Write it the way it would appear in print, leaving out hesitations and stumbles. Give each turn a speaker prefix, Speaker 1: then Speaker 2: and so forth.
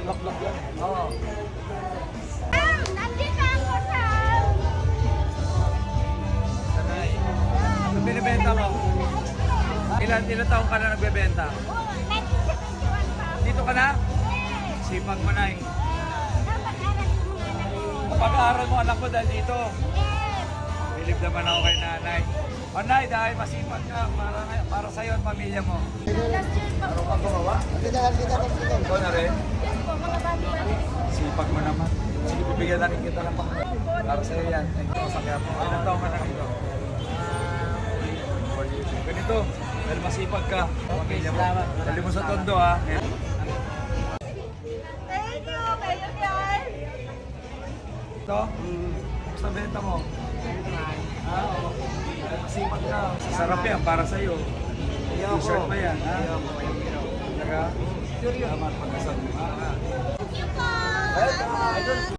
Speaker 1: Bulaklak yan.
Speaker 2: Oo.
Speaker 3: Nandito ako sa...
Speaker 2: Sanay. Ano binibenta mo? Ilan taong ka na nagbebenta?
Speaker 3: 1971 pa ako.
Speaker 2: Dito ka na?
Speaker 3: Yes.
Speaker 2: Sipag mo, Nay.
Speaker 3: Napag-aral ko mga anak ko.
Speaker 2: Pag-aaral mo anak mo dahil dito.
Speaker 3: Yes.
Speaker 2: Bilig naman ako kay nanay. O Nay, dahil masipag ka para sa'yo at pamilya mo.
Speaker 3: Last year pa
Speaker 2: Ano ka gumawa? Ikaw na rin?
Speaker 3: Yes po, mga bati-bati.
Speaker 2: Sipag mo naman. Sige, bibigyan na rin kita ng pangkat. Para sa'yo yan. Thank you sa kaya po. Ilan taong ka na rito? Ganito, dahil masipag ka. Pamilya mo. Dali mo sa tondo ha.
Speaker 3: Thank you, kayo yan.
Speaker 2: Ito? Sa benta mo? Oo. Masipag ka. Sarap yan para sa'yo. T-shirt pa yan, ha? Talaga? Salamat pagkasal mo.
Speaker 3: Thank you po.